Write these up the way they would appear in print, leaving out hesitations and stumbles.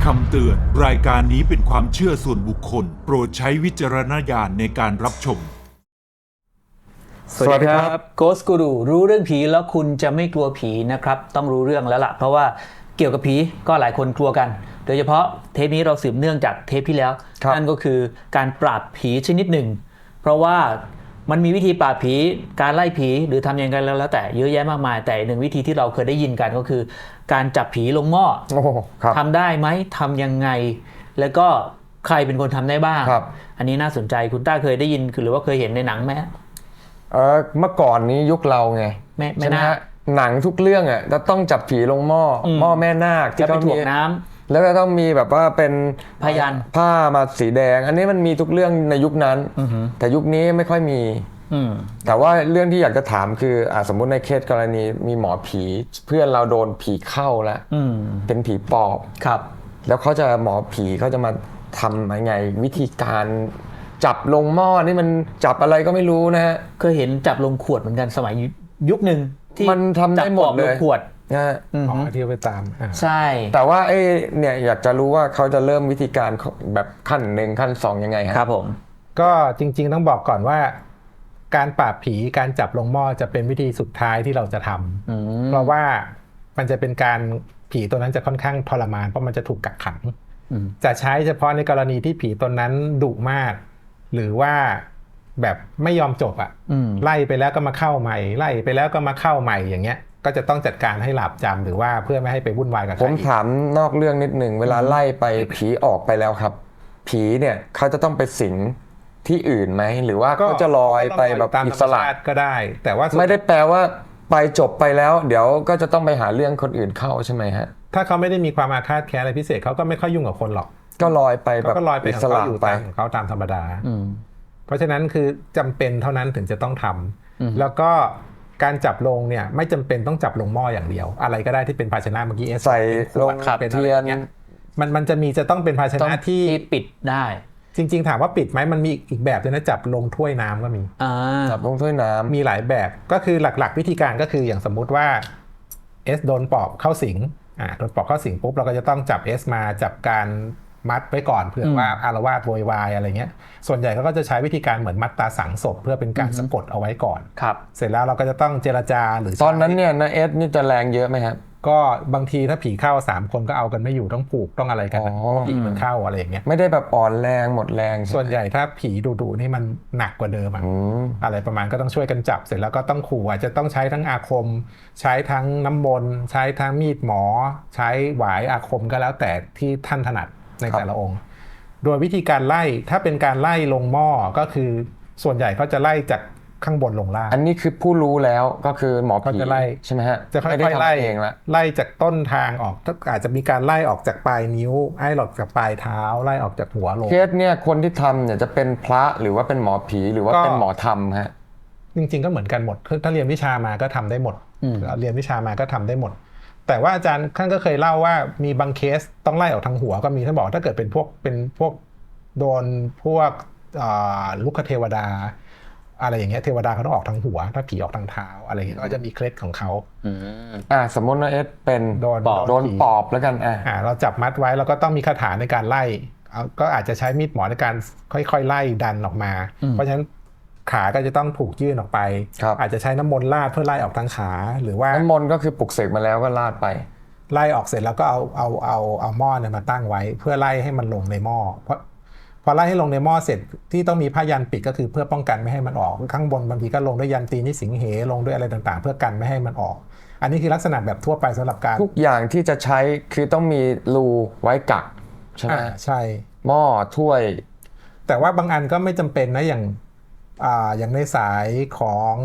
คำเตือนรายการนี้เป็นความเชื่อส่วนบุคคลโปรดใช้วิจารณญาณในการรับชมสวัสดีครับ Ghost Guru รู้เรื่องผีแล้วคุณจะไม่กลัวผีนะครับต้องรู้เรื่องแล้วล่ะเพราะว่าเกี่ยวกับผีก็หลายคนกลัวกันโดยเฉพาะเทปนี้เราสืบเนื่องจากเทปที่แล้วนั่นก็คือการปราบผีชนิดหนึ่งเพราะว่ามันมีวิธีปราบผีการไล่ผีหรือทำยังไงแล้วแต่เยอะแยะมากมายแต่หนึ่งวิธีที่เราเคยได้ยินกันก็คือการจับผีลงหม้อทำได้ไหมทำยังไงแล้วก็ใครเป็นคนทำได้บ้างอันนี้น่าสนใจคุณต้าเคยได้ยินหรือว่าเคยเห็นในหนังไหมเมื่อก่อนนี้ยุคเราไงไม่น่าหนังทุกเรื่องอ่ะจะต้องจับผีลงหม้อแม่นาคที่เขาถ่วงน้ำแล้วก็ต้องมีแบบว่าเป็นพยัญชนะผ้ามาสีแดงอันนี้มันมีทุกเรื่องในยุคนั้นแต่ยุคนี้ไม่ค่อยมีแต่ว่าเรื่องที่อยากจะถามคือสมมุติในเคสกรณีมีหมอผีเพื่อนเราโดนผีเข้าแล้วเป็นผีปอบครับแล้วหมอผีเขาจะมาทำยังไงวิธีการจับลงหม้อนี่มันจับอะไรก็ไม่รู้นะฮะเคยเห็นจับลงขวดเหมือนกันสมัยยุคหนึ่งที่มันทำได้หมดเลยขวดที่ไปตามใช่แต่ว่าเนี่ยอยากจะรู้ว่าเขาจะเริ่มวิธีการแบบขั้น1ขั้น2ยังไงครับผมก็จริงๆต้องบอกก่อนว่าการปราบผีการจับลงหม้อจะเป็นวิธีสุดท้ายที่เราจะทำเพราะว่ามันจะเป็นการผีตัวนั้นจะค่อนข้างทรมานเพราะมันจะถูกกักขังจะใช้เฉพาะในกรณีที่ผีตัวนั้นดุมากหรือว่าแบบไม่ยอมจบไล่ไปแล้วก็มาเข้าใหม่ไล่ไปแล้วก็มาเข้าใหม่อย่างเงี้ยก็จะต้องจัดการให้หลับจำหรือว่าเพื่อไม่ให้ไปวุ่นวายกับใครผมถามนอกเรื่องนิดหนึ่งเวลาไล่ไปผีออกไปแล้วครับผีเนี่ยเขาจะต้องไปสิงที่อื่นไหมหรือว่าเขาจะลอยไปแบบอิสระก็ได้แต่ว่าไม่ได้แปลว่าไปจบไปแล้วเดี๋ยวก็จะต้องไปหาเรื่องคนอื่นเข้าใช่ไหมฮะถ้าเขาไม่ได้มีความอาฆาตแค้นอะไรพิเศษเขาก็ไม่ค่อยยุ่งกับคนหรอกก็ลอยไปแบบอิสระไปของเขาตามธรรมดาเพราะฉะนั้นคือจำเป็นเท่านั้นถึงจะต้องทำแล้วก็การจับลงเนี่ยไม่จำเป็นต้องจับลงหม้ออย่างเดียวอะไรก็ได้ที่เป็นภาชนะเมื่อกี้ใส่ลงเป็นเทียนมันจะต้องเป็นภาชนะที่ปิดได้จริงๆถามว่าปิดไหมมันมีอีกแบบด้วยนะจับลงถ้วยน้ำก็มีจับลงถ้วยน้ำมีหลายแบบก็คือหลักๆวิธีการก็คืออย่างสมมุติว่าโดนปอบเข้าสิงโดนปอบเข้าสิงปุ๊บเราก็จะต้องจับมาจับการมัดไว้ก่อนเผื่อว่าอารวาสโวยวายอะไรเงี้ยส่วนใหญ่ก็จะใช้วิธีการเหมือนมัดตาสังศพเพื่อเป็นการสะกดเอาไว้ก่อนครับเสร็จแล้วเราก็จะต้องเจรจาหรือตอนนั้นเนี่ยนะนี่จะแรงเยอะไหมครับก็บางทีถ้าผีเข้า3คนก็เอากันไม่อยู่ต้องผูกต้องอะไรกันผีมันเข้าอะไรอย่างเงี้ยไม่ได้แบบอ่อนแรงหมดแรงส่วนใหญ่ถ้าผีดุนี่มันหนักกว่าเดิมอะไรประมาณก็ต้องช่วยกันจับเสร็จแล้วก็ต้องขู่จะต้องใช้ทั้งอาคมใช้ทั้งน้ำมนต์ใช้ทั้งมีดหมอใช้หวายอาคมก็แล้วแต่ที่ท่านถนัดในแต่ละองค์โดยวิธีการไล่ถ้าเป็นการไล่ลงหม้อก็คือส่วนใหญ่เขาจะไล่จากข้างบนลงล่างอันนี้คือผู้รู้แล้วก็คือหมอผีจะไล่ใช่ไหมฮะจะค่อยๆไล่เองละไล่จากต้นทางออกอาจจะมีการไล่ออกจากปลายนิ้วไล่ออกจากปลายเท้าไล่ออกจากหัวลงเคสเนี่ยคนที่ทำเนี่ยจะเป็นพระหรือว่าเป็นหมอผีหรือว่าเป็นหมอธรรมฮะจริงๆก็เหมือนกันหมดถ้าเรียนวิชามาก็ทำได้หมดเรียนวิชามาก็ทำได้หมดแต่ว่าอาจารย์ท่านก็เคยเล่าว่ามีบางเคสต้องไล่ออกทางหัวก็มีท่านบอกถ้าเกิดเป็นพวกโดนพวกลูกเทวดาอะไรอย่างเงี้ยเทวดาเขาต้องออกทางหัวถ้าผีออกทางเท้าอะไรอย่างเงี้ยก็จะมีเคล็ดของเขาสมมติว่าเป็นโดนปอบแล้วกันเราจับมัดไว้แล้วก็ต้องมีคาถาในการไล่ก็อาจจะใช้มีดหมอในการค่อยๆไล่ดันออกมาเพราะฉะนั้นขาก็จะต้องถูกยื่นออกไปอาจจะใช้น้ำมนต์ราดเพื่อไล่ออกทางขาหรือว่าน้ำมนต์ก็คือปลุกเสกมาแล้วก็ราดไปไล่ออกเสร็จแล้วก็เอาหม้อเนี่ยมาตั้งไว้เพื่อไล่ให้มันลงในหม้อพอไล่ให้ลงในหม้อเสร็จที่ต้องมีผ้ายันปิดก็คือเพื่อป้องกันไม่ให้มันออกข้างบนบางทีก็ลงด้วยยันตีนิสิงเหลงด้วยอะไรต่างๆเพื่อกันไม่ให้มันออกอันนี้คือลักษณะแบบทั่วไปสำหรับการทุกอย่างที่จะใช้คือต้องมีรูไว้กักใช่ไหมใช่หม้อถ้วยแต่ว่าบางอันก็ไม่จำเป็นนะอย่างในสายของ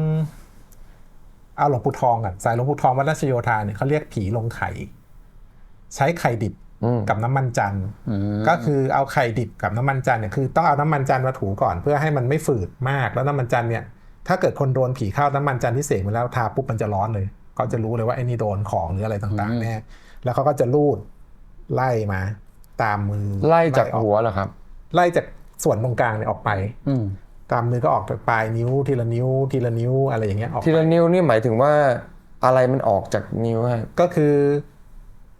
หลวงปู่ทองกันสายหลวงปู่ทองวัดราชโยธาเนี่ยเขาเรียกผีลงไข่ใช้ไข่ดิบกับน้ำมันจันทร์ก็คือเอาไข่ดิบกับน้ำมันจันทร์เนี่ยคือต้องเอาน้ำมันจันทร์มาถูก่อนเพื่อให้มันไม่ฝืดมากแล้วน้ำมันจันทร์เนี่ยถ้าเกิดคนโดนผีเข้าน้ำมันจันทร์ที่เสกมาแล้วทาปุ๊บมันจะร้อนเลยเขาจะรู้เลยว่าไอ้นี่โดนของหรืออะไรต่างๆแน่แล้วเขาก็จะลูดไล่มาตามมือไล่จากหัวเหรอครับไล่จากส่วนตรงกลางเนี่ยออกไปตามมือก็ออกจากปลายนิ้วทีละนิ้วทีละนิ้วอะไรอย่างเงี้ยออกทีละนิ้วนี่หมายถึงว่าอะไรมันออกจากนิ้วฮะก็คือ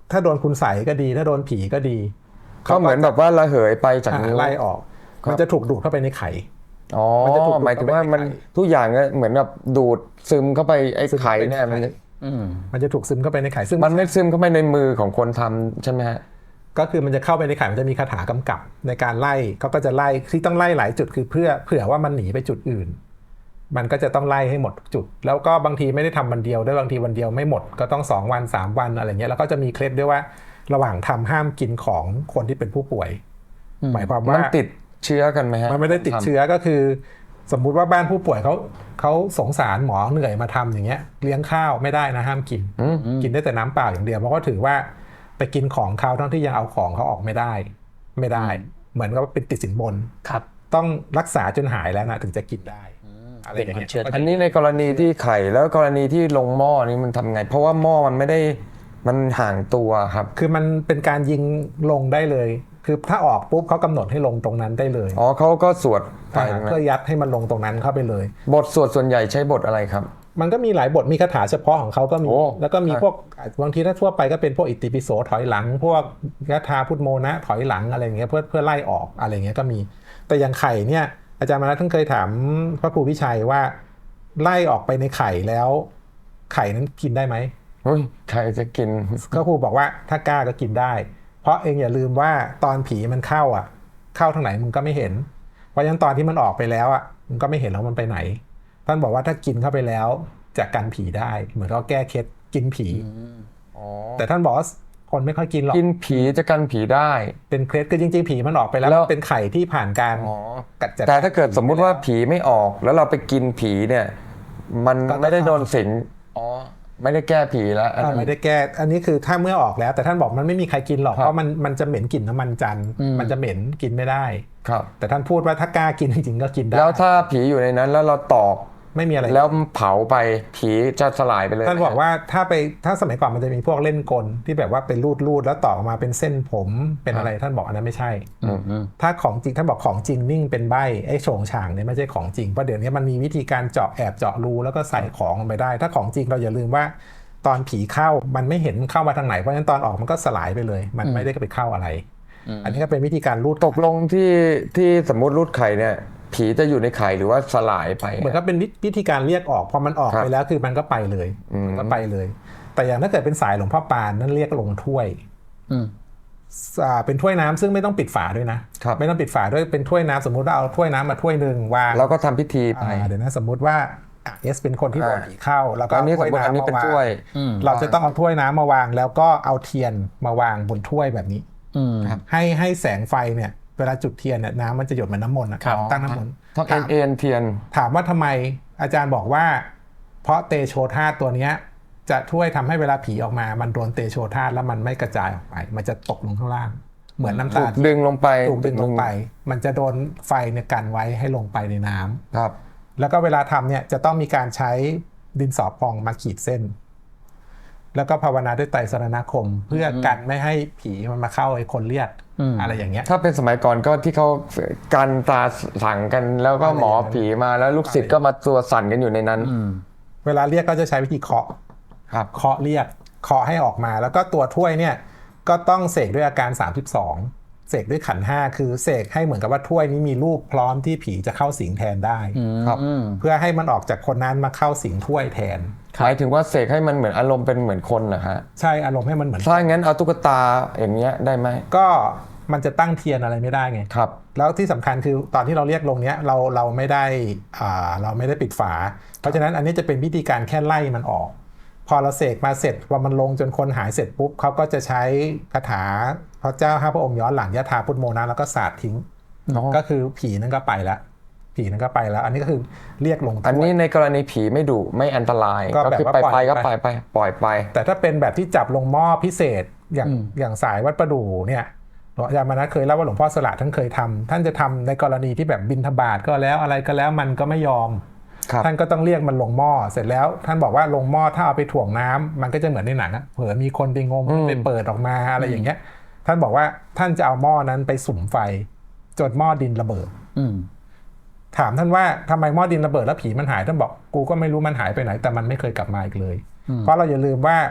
ถ้าโดนคุณใส่ก็ดีถ้าโดนผีก็ดีเขาเหมือนแบบว่าระเหยไปจากนิ้วไล่ออกครับมันจะถูกดูดเข้าไปในไข่อ๋อมันจะถูกดูดหมายถึงว่าเข้าไปในมันไข่ทุกอย่างเนี่ยเหมือนแบบดูดซึมเข้าไปไอ้ไข่เนี่ยมันมันจะถูกซึมเข้าไปในไข่ซึ่งมันไม่ซึมเข้าไปในมือของคนทำใช่ไหมฮะก็คือมันจะเข้าไปในไข่มันจะมีคาถากำกับในการไล่เขาก็จะไล่ที่ต้องไล่หลายจุดคือเผื่อว่ามันหนีไปจุดอื่น มันก็จะต้องไล่ให้หมดทุกจุด แล้วก็บางทีไม่ได้ทำวันเดียวด้วยบางทีวันเดียวไม่หมดก็ต้อง2 วัน 3 วันอะไรเงี้ยแล้วก็จะมีเคล็ดด้วยว่าระหว่างทำห้ามกินของคนที่เป็นผู้ป่วย หมายความว่ามันติดเชื้อกันไหมฮะมันไม่ได้ติดเชื้อก็คือ สมมุติว่าบ้านผู้ป่วยเขาสงสารหมอเหนื่อยมาทำอย่างเงี้ยเลี้ยงข้าวไม่ได้นะห้ามกินกินได้แต่น้ำเปล่าอย่างเดียวเพราะก็ถือว่าไปกินของเขาทั้งที่ยังเอาของเขาออกไม่ได้ เหมือนกับว่าเป็นติดสินบนครับต้องรักษาจนหายแล้วนะถึงจะกินได้อะไรอย่างเป็นความเงี้ยเชื่ออันนี้ในกรณีที่ไข่แล้วกรณีที่ลงหม้อนี่มันทำไง เพราะว่าหม้อมันไม่ได้มันห่างตัวครับคือมันเป็นการยิงลงได้เลย คือถ้าออกปุ๊บเขากำหนดให้ลงตรงนั้นได้เลยอ๋อเขาก็สวดไปเพื่อยัดให้มันลงตรงนั้นเข้าไปเลยบทสวดส่วนใหญ่ใช้บทอะไรครับมันก็มีหลายบทมีคาถาเฉพาะของเขาก็มีโอ้แล้วก็มีพวกบางทีถ้าทั่วไปก็เป็นพวกอิติปิโสถอยหลัง พวกยะธาพุทโมนะถอยหลังอะไรอย่างเงี้ยเพื่อไล่ออกอะไรอย่างเงี้ยก็มี แต่อย่างไข่เนี่ยอาจารย์มานะท่านเคยถามพระครูวิชัยว่าไล่ออกไปในไข่แล้ว ไข่นั้นกินได้ไหมเฮ้ยใครจะกินพระครูบอกว่าถ้ากล้าก็กินได้ เพราะเองอย่าลืมว่าตอนผีมันเข้าทางไหนมึงก็ไม่เห็น เพราะฉะนั้นตอนที่มันออกไปแล้วมึงก็ไม่เห็นแล้วมันไปไหน ท่านบอกว่าถ้ากินเข้าไปแล้วจะกันผีได้เหมือนเราแก้เคล็ดกินผี แต่ท่านบอกว่าคนไม่ค่อยกินหรอกกินผีจะกันผีได้เป็นเคล็ดคือจริงๆผีมันออกไปแล้วแล้วเป็นไข่ที่ผ่านการอ๋อกัดจัดแต่ถ้าเกิดสมมุติว่าผีไม่ออกแล้วเราไปกินผีเนี่ย มันก็ไม่ได้โดนสิงอ๋อไม่ได้แก้ผีแล้วอันนั้นไม่ได้แก้อันนี้คือถ้าเมื่อออกแล้วแต่ท่านบอกมันไม่มีใครกินหรอกครับเพราะมันจะเหม็นกลิ่นน้ำมันจันทร์มันจะเหม็นกินไม่ได้ครับแต่ท่านพูดว่าถ้ากล้ากินจริงๆก็กินได้แล้วถ้าผีอยู่ในนั้นแล้วเราตอกไม่มีอะไรแล้วเผาไปผีจะสลายไปเลยท่านบอกว่าถ้าสมัยก่อนมันจะมีพวกเล่นกลที่แบบว่าเป็นรูดแล้วต่อออกมาเป็นเส้นผมเป็นอะไรท่านบอกอันนั้นไม่ใช่ ถ้าของจริงท่านบอกของจริงนิ่งเป็นใบไอ้โฉงฉางเนี่ยไม่ใช่ของจริงเพราะเดี๋ยวนี้มันมีวิธีการแอบเจาะรูแล้วก็ใส่ของลงไปได้ ถ้าของจริงเราอย่าลืมว่าตอนผีเข้ามันไม่เห็นเข้ามาทางไหนเพราะฉะนั้นตอนออกมันก็สลายไปเลย มันไม่ได้ไปเข้าอะไร อันนี้ก็เป็นวิธีการรูดตกลงที่สมมุติรูดไข่เนี่ย ผีจะอยู่ในไข่หรือว่าสลายไปเหมือนกับเป็นวิธีการเรียกออกพอมันออกครับไปแล้วคือมันก็ไปเลยมันก็ไปเลย แต่อย่างถ้าเกิดเป็นสายหลวงพ่อปานนั่นเรียกลงถ้วยเป็นถ้วยน้ำซึ่งไม่ต้องปิดฝาด้วยนะครับ ไม่ต้องปิดฝาด้วยเป็นถ้วยน้ำสมมุติว่าเอาถ้วยน้ำมาถ้วยหนึ่งวางแล้วก็ทำพิธีไปเดี๋ยวนะสมมุติว่าเอสเป็นคนที่โดนผีเข้าแล้วก็อันนี้เอาถ้วยสมมุติอันนี้น้ำเป็นมาวางถ้วยเราจะต้องเอาถ้วยน้ำมาวาง แล้วก็เอาเทียนมาวางบนถ้วยแบบนี้ให้แสงไฟเนี่ยเวลาจุดเทียนเนี่ยน้ำมันจะหยดเหมือนน้ำมนต์ตั้งน้ำมนต์ต้องเอ็นเทียนถามว่าทำไมอาจารย์บอกว่า เพราะเตโชธาตุตัวเนี้ยจะช่วยทำให้เวลาผีออกมามันโดนเตโชธาตุแล้วมันไม่กระจายออกไป มันจะตกลงข้างล่าง เหมือนน้ำถูตากดึงลงไปถูกดึงลงไป มันจะโดนไฟเนี่ยกันไว้ให้ลงไปในน้ำครับแล้วก็เวลาทำเนี่ยจะต้องมีการใช้ดินสอพองมาขีดเส้น แล้วก็ภาวนาด้วยไตรสรณคม เพื่อกันไม่ให้ผีมันมาเข้าไอ้คนเรียกอะไรอย่างเงี้ยถ้าเป็นสมัยก่อนก็ที่เขากันตาสั่งกันแล้วก็หมอผีมาแล้วลูกศิษย์ก็มาตัวสั่นกันอยู่ในนั้นเวลาเรียกก็จะใช้วิธีเคาะครับเคาะเรียกเคาะให้ออกมา แล้วก็ตัวถ้วยเนี่ยก็ต้องเสกด้วยอาการ 32เสกด้วยขันธ์5คือเสกให้เหมือนกับว่าถ้วยนี้มีรูปพร้อมที่ผีจะเข้าสิงแทนได้ครับเพื่อให้มันออกจากคนนั้นมาเข้าสิงถ้วยแทนหมายถึงว่าเสกให้มันเหมือนอารมณ์เป็นเหมือนคนนะฮะใช่อารมณ์ให้มันเหมือนถ้างั้นเอาตุ๊กตาอย่างเงี้ยได้ไหมก็มันจะตั้งเทียนอะไรไม่ได้ไงครับแล้วที่สำคัญคือตอนที่เราเรียกลงเนี้ยเราไม่ได้เราไม่ได้ปิดฝา เพราะฉะนั้นอันนี้จะเป็นวิธีการแค่ไล่มันออก พอเราเสกมาเสร็จพอมันลงจนคนหายเสร็จปุ๊บเขาก็จะใช้คาถาพระเจ้า5 พระองค์ย้อนหลังยะถาพุทโมนะแล้วก็สาดทิ้ง ก็คือผีนั้นก็ไปแล้วผีนั้นก็ไปแล้ว อันนี้ก็คือเรียกลงถ้วยอันนี้ในกรณีผีไม่ดุไม่อันตรายก็ก็แบบคือว่าไปปล่อยก็ไปไปปล่อยไปแต่ถ้าเป็นแบบที่จับลงหม้อพิเศษอย่างสายวัดประดู่เนี่ยหลวงอาจารย์มานะเคยเล่าว่าหลวงพ่อสละท่านเคยทำท่านจะทำในกรณีที่แบบบิณฑบาตก็แล้วอะไรก็แล้วมันก็ไม่ยอมครับท่านก็ต้องเรียกมันลงหม้อเสร็จแล้ว ท่านบอกว่าลงหม้อถ้าเอาไปถ่วงน้ำมันก็จะเหมือนในหนังอะเผื่อมีคนไปงมไปเปิดออกมาอะไรอย่างเงี้ย ท่านบอกว่าท่านจะเอาหม้อนั้นไปสุมไฟจนหม้อดินระเบิดถามท่านว่าทำไมหม้อดินระเบิดแล้วผีมันหายท่านบอกกูก็ไม่รู้มันหายไปไหนแต่มันไม่เคยกลับมาอีกเลย เพราะเราอย่าลืมว่า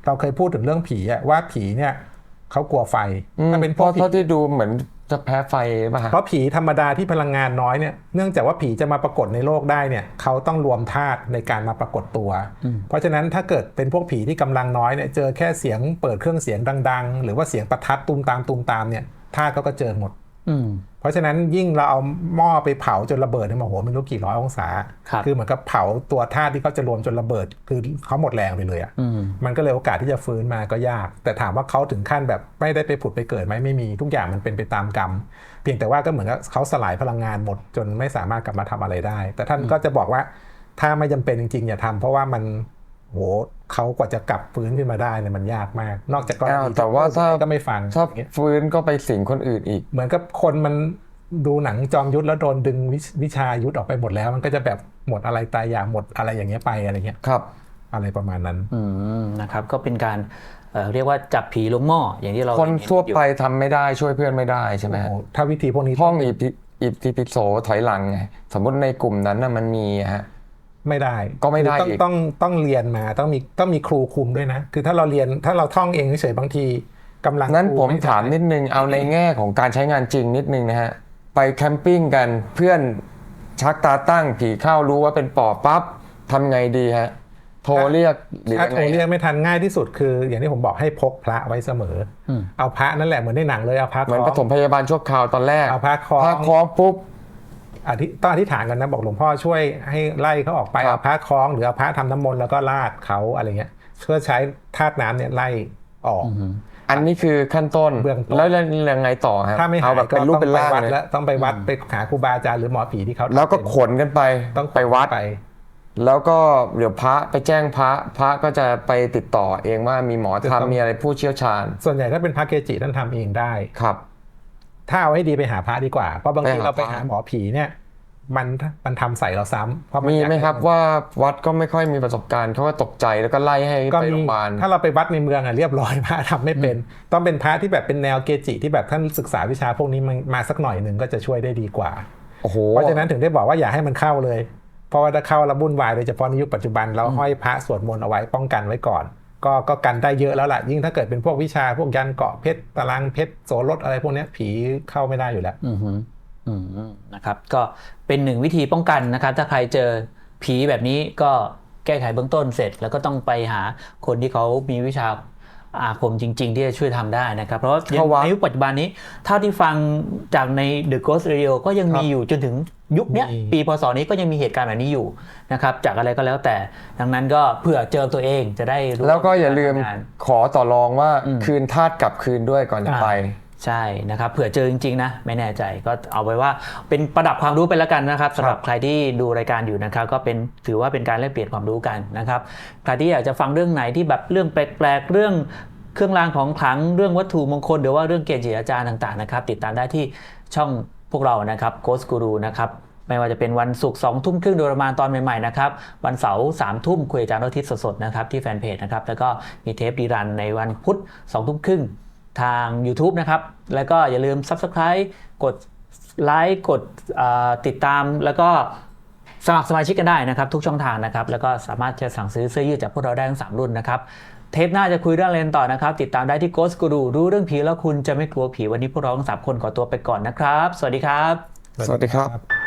เราเคยพูดถึงเรื่องผีอะว่าผีเนี่ยเขากลัวไฟถ้าเป็นเพพวกราะผีเท่าที่ดูเหมือนจะแพ้ไฟป่ะฮะเพราะผีธรรมดาที่พลังงานน้อยเนี่ยเนื่องจากว่าผีจะมาปรากฏในโลกได้เนี่ยเขาต้องรวมธาตุในการมาปรากฏตัว เพราะฉะนั้นถ้าเกิดเป็นพวกผีที่กำลังน้อยเนี่ยเจอแค่เสียงเปิดเครื่องเสียงดังๆหรือว่าเสียงประทัดตูมตามเนี่ยธาตุเขาก็เจอหมดเพราะฉะนั้นยิ่งเราเอาหม้อไปเผาจนระเบิดเนี่ยโอ้โหไม่รู้กี่ร้อยองศา คือเหมือนกับเผาตัวธาตุที่เขาจะรวมจนระเบิดคือเขาหมดแรงไปเลยอ่ะมันก็เลยโอกาสที่จะฟื้นมาก็ยาก แต่ถามว่าเขาถึงขั้นแบบไม่ได้ไปผุดไปเกิดไหมไม่มีทุกอย่างมันเป็นไปตามกรรม เพียงแต่ว่าก็เหมือนกับเขาสลายพลังงานหมดจนไม่สามารถกลับมาทำอะไรได้ แต่ท่านก็จะบอกว่าถ้าไม่จำเป็นจริงๆอย่าทำเพราะว่ามันโหเขากว่าจะกลับฟื้นขึ้นมาได้เนี่ยมันยากมาก นอกจากก็แต่ว่าถ้าก็ไม่ฟังถ้าฟื้นก็ไปสิงคนอื่นอีกเหมือนกับคนมันดูหนังจอมยุทธแล้วโดนดึงวิชายุทธออกไปหมดแล้ว มันก็จะแบบหมดอะไรตายอยากหมดอะไรอย่างเงี้ยไปอะไรเงี้ยครับอะไรประมาณนั้นนะครับก็เป็นการเรียกว่าจับผีลงหม้ออย่างที่เราคนทั่วไปทำไม่ได้ช่วยเพื่อนไม่ได้ใช่ไหมโอ้โหถ้าวิธีพวกนี้ท่องอิติปิโสถอยหลังไงสมมติในกลุ่มนั้นน่ะมันมีฮะไม่ได้ก็ไม่ได้คืออีกต้องเรียนมาต้องมีครูคุมด้วยนะ คือถ้าเราเรียนถ้าเราท่องเองเฉยๆบางทีกำลังนั้นครูผมไได้ถามนิดนึงเอาในแง่ของการใช้งานจริงนิดนึงนะฮะไปแคมปิ้งกันเพื่อนชักตาตั้งผีเข้ารู้ว่าเป็นปอบปั๊บทำไงดีฮะโทรเรียกหรือถ้ายังโทรเรียไงกไม่ทันง่ายที่สุดคืออย่างที่ผมบอกให้พกพระไว้เสมอเอาพระนั่นแหละเหมือนในหนังเลยเอาพระเหมือนคปล้องฐมพยาบาลชั่วคราวตอนแรกเอาพระคล้องพระคล้องปุ๊บต้องอธิษฐานกันนะบอกหลวงพ่อช่วยให้ไล่เขาออกไปครับเอาพระคล้องหรือเอาพระทำน้ำมนต์แล้วก็ราดเขาอะไรเงี้ยเพื่อใช้ธาตุน้ำเนี่ยไล่ออกอันนี้คือขั้นต้นเบื้องต้นแล้วยังไงต่อครับถ้าไม่หาเอายแบบก็เป็นรูปต้องเป็นไปร่างวัดเลยแล้วต้องไปวัดไปหาครูบาอาจารย์หรือหมอผีที่เขาแล้วก็ขนกันไปต้องไปวัดไปแล้วก็เดี๋ยวพระไปแจ้งพระก็จะไปติดต่อเองว่ามีหมอธรรมมีอะไรผู้เชี่ยวชาญส่วนใหญ่ถ้าเป็นพระเกจิท่านทำเองได้ครับถ้าเอาให้ดีไปหาพระดีกว่าเพราะบางทีไปหาเราไปพระหาหมอผีเนี่ยมันทำใส่เราซ้ำเพราะนมีอยากไหมครับให้นว่าวัดก็ไม่ค่อยมีประสบการณ์เขาก็ตกใจแล้วก็ไล่ให้ก็ไปมีโรงพยาบาลถ้าเราไปวัดในเมืองอะเรียบร้อยพระทำไม่เป็น ต้องเป็นพระที่แบบเป็นแนวเกจิที่แบบท่านศึกษาวิชาพวกนี้มาสักหน่อยหนึ่งก็จะช่วยได้ดีกว่าโอ้โหเพราะฉะนั้นถึงได้บอกว่าอย่าให้มันเข้าเลย เพราะว่าถ้าเข้าแล้ววุ่นวายโดยเฉพาะในยุคปัจจุบันเราห้อยพระสวดมนต์เอาไว้ป้องกันไว้ก่อน ก็กันได้เยอะแล้วล่ะยิ่งถ้าเกิดเป็นพวกวิชาพวกยันเกาะเพชรตารางเพชรโสรถอะไรพวกเนี้ยผีเข้าไม่ได้อยู่แล้วนะครับก็เป็นหนึ่งวิธีป้องกันนะครับถ้าใครเจอผีแบบนี้ก็แก้ไขเบื้องต้นเสร็จ แล้วก็ต้องไปหาคนที่เขามีวิชาอาคมจริง ๆ ที่จะช่วยทำได้นะครับเพราะว่าเข้าวัดในยุคปัจจุบันนี้เท่าที่ฟังจากใน The Ghost Radio ก็ยังมีอยู่จนถึงยุคเนี้ยมีปีพศนี้ก็ยังมีเหตุการณ์แบบนี้อยู่นะครับจากอะไรก็แล้วแต่ดังนั้นก็เผื่อเจอตัวเองจะได้รู้แล้วก็อย่าลืมงานขอต่อรองว่าคืนธาตุกลับคืนด้วยก่อนจะไปใช่นะครับเผื่อเจอจริงๆนะไม่แน่ใจก็เอาไว้ว่าเป็นประดับความรู้ไปแล้วกันนะครับสำหรับใครที่ดูรายการอยู่นะครับก็เป็นถือว่าเป็นการแลกเปลี่ยนความรู้กันนะครับใครที่อยากจะฟังเรื่องไหนที่แบบเรื่องแปลกๆเรื่องเครื่องรางของขลังเรื่องวัตถุมงคลหรือว่าเรื่องเกจิอาจารย์ต่างๆนะครับติดตามได้ที่ช่องพวกเรานะครับ Ghost Guru นะครับไม่ว่าจะเป็นวันศุกร์2 ทุ่มครึ่งโดยประมาณตอนใหม่ๆนะครับวันเสาร์3 ทุ่มคุยอาจารย์อาทิตย์สดๆนะครับที่แฟนเพจนะครับแล้วก็มีเทปรีรันในวันพุธ2 ทุ่มครึ่งทาง YouTube นะครับแล้วก็อย่าลืม Subscribe กดไลค์กดติดตามแล้วก็สมัครสมาชิกกันได้นะครับทุกช่องทางนะครับแล้วก็สามารถจะสั่งซื้อเสื้อยืดจากพวกเราได้ทั้ง3รุ่นนะครับเทปหน้าจะคุยเรื่องอะไรกันต่อนะครับติดตามได้ที่ Ghost Guru รู้เรื่องผีแล้วคุณจะไม่กลัวผีวันนี้พวกเราทั้ง3 คนขอตัวไปก่อนนะครับสวัสดีครับสวัสดีครับ